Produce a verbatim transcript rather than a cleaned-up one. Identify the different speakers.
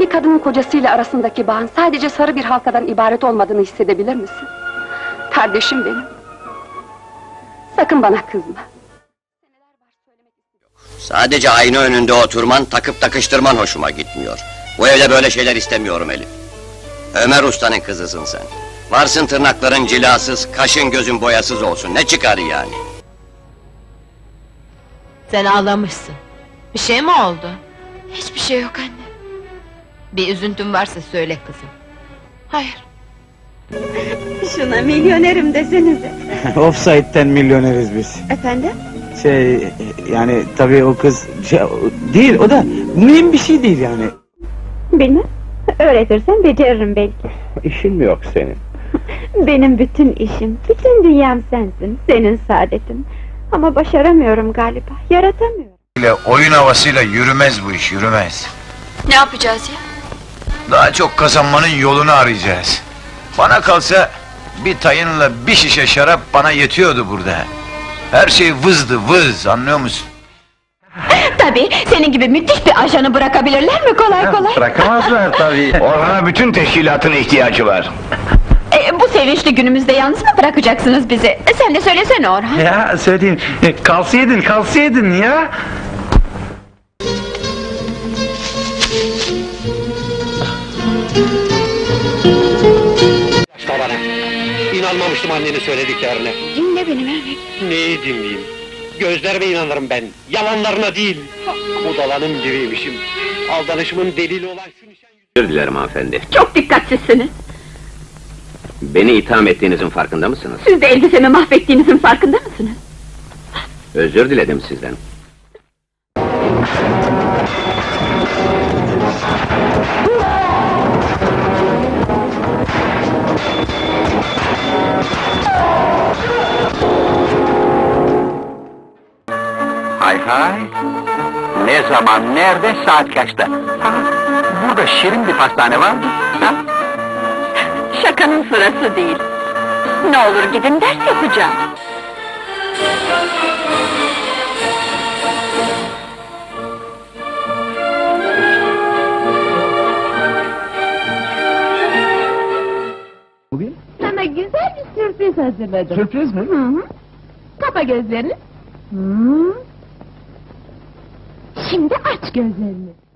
Speaker 1: Bir kadının kocasıyla arasındaki bağın sadece sarı bir halkadan ibaret olmadığını hissedebilir misin? Kardeşim benim. Sakın bana kızma.
Speaker 2: Sadece ayna önünde oturman, takıp takıştırman hoşuma gitmiyor. Bu evde böyle şeyler istemiyorum Elif. Ömer Usta'nın kızısın sen. Varsın tırnakların cilasız, kaşın gözün boyasız olsun, ne çıkar yani?
Speaker 3: Sen ağlamışsın. Bir şey mi oldu?
Speaker 4: Hiçbir şey yok anne.
Speaker 3: Bir üzüntün varsa söyle kızım.
Speaker 4: Hayır.
Speaker 5: Şuna milyonerim desenize.
Speaker 6: Offside'den milyoneriz biz.
Speaker 5: Efendim?
Speaker 6: Şey, yani tabii o kız şey, değil, o da mühim bir şey değil yani.
Speaker 5: Bilmem. Öğretirsen beceririm belki.
Speaker 7: İşin mi yok senin?
Speaker 5: Benim bütün işim, bütün dünyam sensin, senin saadetin. Ama başaramıyorum galiba, yaratamıyorum.
Speaker 8: Ile oyun havasıyla yürümez bu iş, yürümez.
Speaker 4: Ne yapacağız ya?
Speaker 8: Daha çok kazanmanın yolunu arayacağız. Bana kalsa bir tayınla bir şişe şarap bana yetiyordu burada. Her şey vızdı vız, anlıyor musun?
Speaker 5: Tabii, senin gibi müthiş bir ajanı bırakabilirler mi kolay kolay?
Speaker 7: Bırakamazlar tabii. Orhan'a bütün teşkilatın ihtiyacı var.
Speaker 5: E, bu sevinçli günümüzde yalnız mı bırakacaksınız bizi? E, sen de söylesene Orhan.
Speaker 6: Ya söyleyeyim, kalsaydın, kalsaydın ya!
Speaker 7: Başla bana. İnanmamıştım annenin söylediklerine.
Speaker 5: Dinle beni Mehmet.
Speaker 7: Neyi dinleyeyim? Gözlerime inanırım ben, yalanlarına değil. Budalanın biriymişim. Aldanışımın delili olan şu nişan...
Speaker 9: Özür dilerim hanımefendi.
Speaker 5: Çok dikkatsizsiniz.
Speaker 9: Beni itham ettiğinizin farkında mısınız?
Speaker 5: Siz de elbisemi mahvettiğinizin farkında mısınız?
Speaker 9: Özür diledim sizden.
Speaker 7: Hay hay! Ne zaman, nerede, saat kaçta? Ha, burada şirin bir pastane var mı? Ha?
Speaker 5: Şakanın sırası değil. Ne olur gidin, ders yapacağım.
Speaker 6: Bugün?
Speaker 5: Sana güzel bir sürpriz hazırladım.
Speaker 6: Sürpriz mi?
Speaker 5: Hı hı. Kapa gözlerini. Hı. Şimdi aç gözlerini.